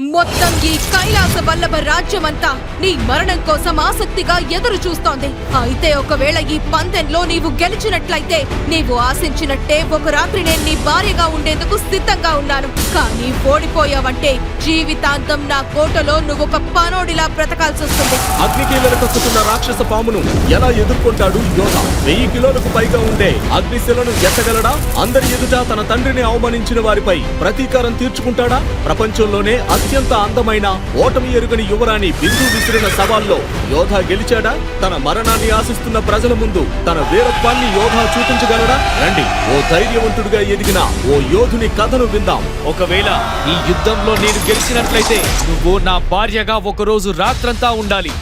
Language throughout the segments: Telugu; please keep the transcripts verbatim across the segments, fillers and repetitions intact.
మొత్తం ఈ కైలాస వల్లభ రాజ్యమంతా నీ మరణం కోసం ఆసక్తిగా ఎదురు చూస్తోంది. అయితే ఒకవేళ ఈ పందెంలో నీవు గెలిచినట్లయితే నీవు ఆశించినట్టే ఒక రాత్రి నేను నీ భార్యగా ఉండేందుకు సిద్ధంగా ఉన్నాను. కానీ ఓడిపోయావంటే జీవితాంతం నా కోటలో నువ్వు ఒక పనోడిలా బ్రతకాల్సి వస్తుంది. అగ్నికీలను కక్కుతున్న రాక్షస పామును ఎలా ఎదుర్కొంటాడు యోధ? వెయ్యి కిలోలకు పైగా ఉండే అగ్నిశిలను ఎత్తగలడా? అందరి ఎదుట తన తండ్రిని అవమానించిన వారిపై ప్రతీకారం తీర్చుకుంటాడా? ప్రపంచంలోనే అత్యంత అందమైన ఓటమి ఎరుగని యువరాణి బిందు విసిరిన సవాల్లో యోధ గెలిచాడా? తన మరణాన్ని ఆశిస్తున్న ప్రజల ముందు తన వీరత్వాన్ని యోధ చూపించగలడా? రండి, ఓ ధైర్యవంతుడిగా ఎదిగిన ఓ యోధుని కథను విందాం. ఒకవేళ ఈ యుద్ధంలో నేను గెలిచినట్లయితే నువ్వు నా భార్యగా ఒకరోజు రాత్రంతా ఉండాలి.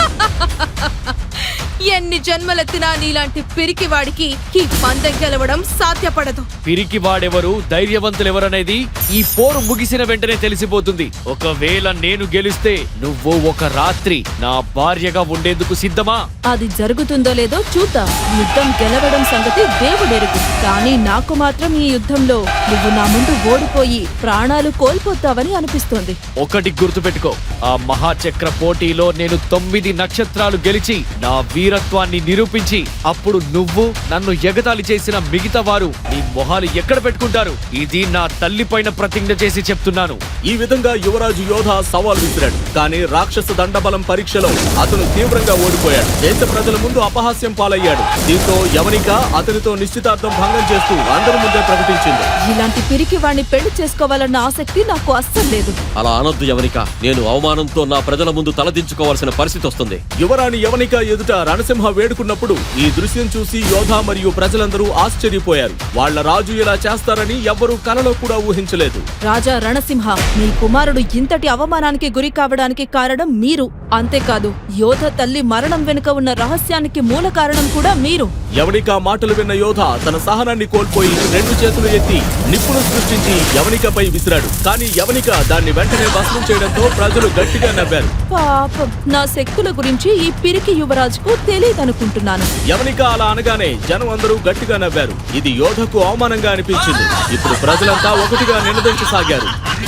ఎన్ని జన్మలెత్తినా నీలాంటి పిరికివాడికి ఈ పందెం గెలవడం సాధ్యపడదు. పిరికి వాడెవరు, ధైర్యవంతులెవరనేది ఈ పోరు ముగిసిన వెంటనే తెలిసిపోతుంది. ఒకవేళ నేను గెలిస్తే నువ్వు ఒక రాత్రి నా భార్యగా ఉండేందుకు సిద్ధమా? అది జరుగుతుందో లేదో చూద్దాం. యుద్ధం గెలవడం సంగతి దేవుడెరుగు. కానీ నాకు మాత్రం ఈ యుద్ధంలో నువ్వు నా ముందు ఓడిపోయి ప్రాణాలు కోల్పోతావని అనిపిస్తోంది. ఒకటి గుర్తుపెట్టుకో, ఆ మహాచక్ర పోటీలో నేను తొమ్మిది నక్షత్రాలు గెలిచి నా వీరత్వాన్ని నిరూపించి అప్పుడు నువ్వు నన్ను ఎగతాళి చేసిన మిగతా వారు నీ మొహాలు ఎక్కడ పెట్టుకుంటారు? ఇది నా తల్లి పైన ప్రతిజ్ఞ చేసి చెప్తున్నాను. ఈ విధంగా యువరాజు యోధ సవాల్ విసిరాడు. కానీ రాక్షస దండబలం పరీక్షలో అతను తీవ్రంగా ఓడిపోయాడు. దేశ ప్రజల ముందు అపహాస్యం పాలయ్యాడు. దీంతో యవనిక అతనితో నిశ్చితార్థం భంగం చేస్తూ అందరి ముందే ప్రకటించింది. ఇలాంటి పిరికి వాణ్ణి పెళ్లి చేసుకోవాలన్న ఆసక్తి నాకు అస్సలు లేదు. అలా అనొద్దు యవనిక. నేను అవమానంతో నా ప్రజల ముందు తలదించుకోవాల్సిన పరిస్థితి వస్తుంది. యువరాణి యవనిక ఎదుట రణసింహ వేడుకున్నప్పుడు ఈ దృశ్యం చూసి యోధ మరియు ప్రజలందరూ ఆశ్చర్యపోయారు. వాళ్ల రాజు ఇలా చేస్తారని ఎవ్వరూ కలలో కూడా ఊహించలేదు. రాజా రణసింహ, మీ కుమారుడు ఇంతటి అవమానానికి గురి కావడానికి కారణం మీరు. అంతేకాదు, యోధ తల్లి మరణం వెనుక ఉన్న రహస్యానికి మూల కారణం కూడా మీరు. యవనిక మాటలు విన్న యోధ తన సహనాన్ని కోల్పోయి రెండు చేతులు ఎత్తి నిప్పును సృష్టించి యవనికపై విసిరాడు. కానీ యవనిక దాన్ని వెంటనే భస్మం చేయడంతో ప్రజలు గట్టిగా నవ్వారు. పాపం, నా శక్తుల గురించి ఈ పిరికి యువరాజుకు తెలియదనుకుంటున్నాను. యవనిక అలా అనగానే జనం అందరూ గట్టిగా నవ్వారు. ఇది యోధకు అవమానంగా అనిపించింది. ఇప్పుడు ప్రజలంతా ఒకటిగా నినదించసాగారు.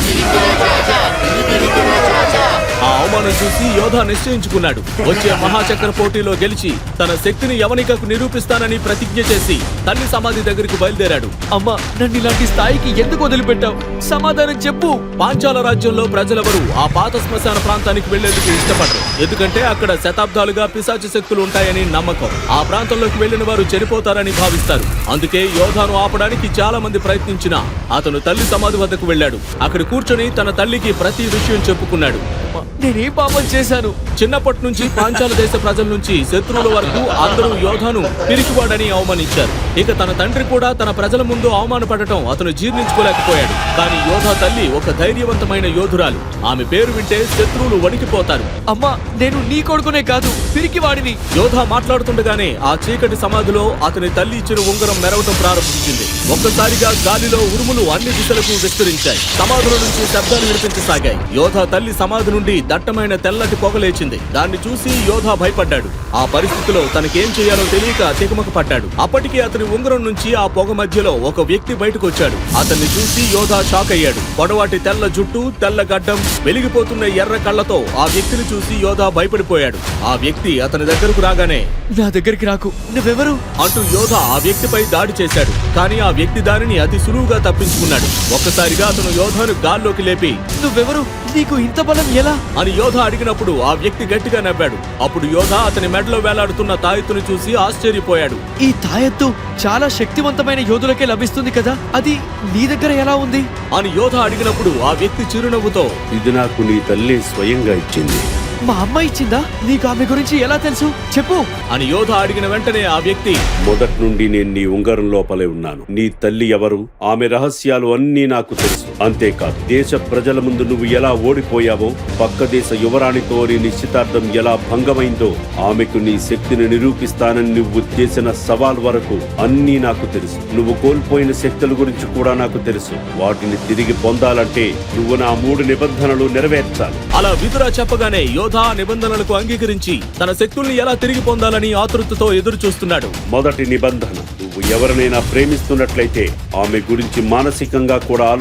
ఆ అవమానం చూసి యోధ నిశ్చయించుకున్నాడు. వచ్చే మహాచక్ర పోటీలో గెలిచి తన శక్తిని యవనికకు నిరూపిస్తానని ప్రతిజ్ఞ చేసి తల్లి సమాధి దగ్గరికి బయలుదేరాడు. అమ్మా, నన్ను ఇలాంటి స్థాయికి ఎందుకు వదిలిపెట్టావు? సమాధానం చెప్పు. పాంచాల రాజ్యంలో ప్రజలెవరూ ఆ పాత శ్మశాన ప్రాంతానికి వెళ్లేందుకు ఇష్టపడరు. ఎందుకంటే అక్కడ శతాబ్దాలుగా పిశాచ శక్తులు ఉంటాయని నమ్మకం. ఆ ప్రాంతంలోకి వెళ్లిన వారు చనిపోతారని భావిస్తారు. అందుకే యోధాను ఆపడానికి చాలా మంది ప్రయత్నించినా అతను తల్లి సమాధి వద్దకు వెళ్లాడు. అక్కడ కూర్చొని తన తల్లికి ప్రతి విషయం చెప్పుకున్నాడు. నేనేం పాపం చేశాను? చిన్నప్పటి నుంచి పాంచాల దేశ ప్రజల నుంచి శత్రువుల వరకు అందరూ యోధాను పిరికివాడని అవమానించారు. ఇక తన తండ్రి కూడా తన ప్రజల ముందు అవమానపడటం అతను జీర్ణించుకోలేకపోయాడు. కానీ యోధా తల్లి ఒక ధైర్యవంతమైన యోధురాలు. ఆమె పేరు వింటే శత్రువులు వణికిపోతారు. అమ్మా, నేను నీ కొడుకునే కాదు, పిరికివాడిని. యోధా మాట్లాడుతుండగానే ఆ చీకటి సమాధిలో అతని తల్లి ఇచ్చిన ఉంగరం మెరవటం ప్రారంభించింది. ఒక్కసారిగా గాలిలో ఉరుములు అన్ని దిశలకు విస్తరించాయి. సమాధుల నుంచి శబ్దాలు వినిపించసాగాయి. యోధా తల్లి సమాధి నుండి దట్టమైన తెల్లటి పొగ లేచింది. దాన్ని చూసి యోధా భయపడ్డాడు. ఆ పరిస్థితిలో తనకేం చేయాలో తెలియక తికమక పడ్డాడు. అప్పటికే అతని ఉంగరం నుంచి ఆ పొగ మధ్యలో ఒక వ్యక్తి బయటకు వచ్చాడు. అతన్ని చూసి యోధా షాక్ అయ్యాడు. పొడవాటి తెల్ల జుట్టు, తెల్ల గడ్డం, వెలిగిపోతున్న ఎర్ర కళ్ళతో ఆ వ్యక్తిని చూసి యోధా భయపడిపోయాడు. ఆ వ్యక్తి అతని దగ్గరకు రాగానే నా దగ్గరికి రాకు, నువ్వెవరు అంటూ యోధా ఆ వ్యక్తిపై దాడి చేశాడు. కానీ ఆ వ్యక్తి దానిని అతి సులువుగా తప్పించుకున్నాడు. ఒక్కసారిగా అతను యోధాను గాల్లోకి లేపి నువ్వెవరు, నీకు ఇంత బలం ఎలా అని యోధ అడిగినప్పుడు ఆ వ్యక్తి గట్టిగా నవ్వాడు. అప్పుడు యోధ అతని మెడలో వేలాడుతున్న తాయెత్తును చూసి ఆశ్చర్యపోయాడు. ఈ తాయెత్తు చాలా శక్తివంతమైన యోధులకే లభిస్తుంది కదా, అది నీ దగ్గర ఎలా ఉంది అని యోధ అడిగినప్పుడు ఆ వ్యక్తి చిరునవ్వుతో ఇది నాకు నీ తల్లి స్వయంగా ఇచ్చింది. మా అమ్మ ఇచ్చిందా? నీకు ఆమె గురించి ఎలా తెలుసు, చెప్పు అని యోధ అడిగిన వెంటనే ఆ వ్యక్తి మొదటి నుండి నేను నీ ఉంగరం లోపలే ఉన్నాను. నీ తల్లి ఎవరు, ఆమె రహస్యాలు అన్నీ నాకు తెలుసు. అంతేకాదు, దేశ ప్రజల ముందు నువ్వు ఎలా ఓడిపోయావో, పక్క దేశ యువరాణితో నీ నిశ్చితార్థం ఎలా భంగమైందో, ఆమెకు నీ శక్తిని నిరూపిస్తానని నువ్వు చేసిన సవాల్ వరకు అన్నీ నాకు తెలుసు. నువ్వు కోల్పోయిన శక్తుల గురించి కూడా నాకు తెలుసు. వాటిని తిరిగి పొందాలంటే నువ్వు నా మూడు నిబంధనలు నెరవేర్చాలి. అలా విదుర చెప్పగానే యోధ నిబంధనలకు అంగీకరించి తన శక్తుల్ని ఎలా తిరిగి పొందాలని ఆతృతతో ఎదురు చూస్తున్నాడు. మొదటి నిబంధన, నువ్వు ఎవరినైనా ప్రేమిస్తున్నట్లయితే ఆమె గురించి మానసికంగా కూడా ఆలోచించకు.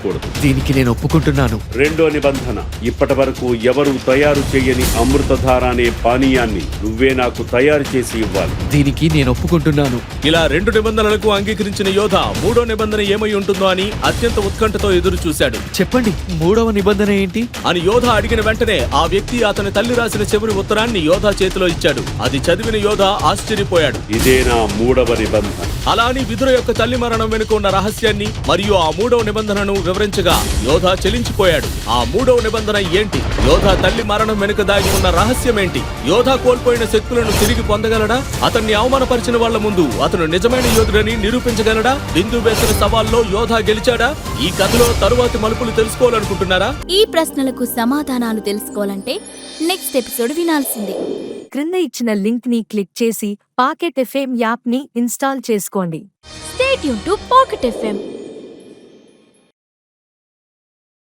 చేయకూడదు. దీనికి నేను ఒప్పుకుంటున్నాను. రెండో నిబంధన, ఇప్పటి వరకు ఎవరు తయారు చేయని అమృతధార అనే పానీయాన్ని నువ్వే నాకు తయారు చేసి ఇవ్వాలి. దీనికి నేను ఒప్పుకుంటున్నాను. ఇలా రెండు నిబంధనలకు అంగీకరించిన యోధ మూడో నిబంధన ఏమై ఉంటుందో అని అత్యంత ఉత్కంఠతో ఎదురు చూశాడు. చెప్పండి, మూడవ నిబంధన ఏంటి అని యోధ అడిగిన వెంటనే ఆ వ్యక్తి అతని తల్లి రాసిన చివరి ఉత్తరాన్ని యోధ చేతిలో ఇచ్చాడు. అది చదివిన యోధ ఆశ్చర్యపోయాడు. ఇదే నా మూడవ నిబంధన. అలా అని విదుర యొక్క తల్లి మరణం వెనుక ఉన్న రహస్యాన్ని మరియు ఆ మూడవ నిబంధనను వివరించగా యోధ చెలించిపోయాడు. ఆ మూడవ నిబంధన ఏంటి? యోధ తల్లి మరణం వెనుక దాగి ఉన్న రహస్యం ఏంటి? యోధ కోల్పోయిన శక్తులను తిరిగి పొందగలడా? అతన్ని అవమానపరిచిన వాళ్ల ముందు అతను నిజమైన యోధుడని నిరూపించగలడా? బిందు వేసిన సవాల్లో యోధ గెలిచాడా? ఈ కథలో తరువాతి మలుపులు తెలుసుకోవాలనుకుంటున్నారా? ఈ ప్రశ్నలకు సమాధానాలు తెలుసుకోవాలంటే నెక్స్ట్ ఎపిసోడ్ వినాల్సిందే. క్రింద ఇచ్చిన లింక్ ని క్లిక్ చేసి పాకెట్ ఎఫ్ఎం యాప్ ని ఇన్స్టాల్ చేసుకోండి. Stay tune to Pocket FM.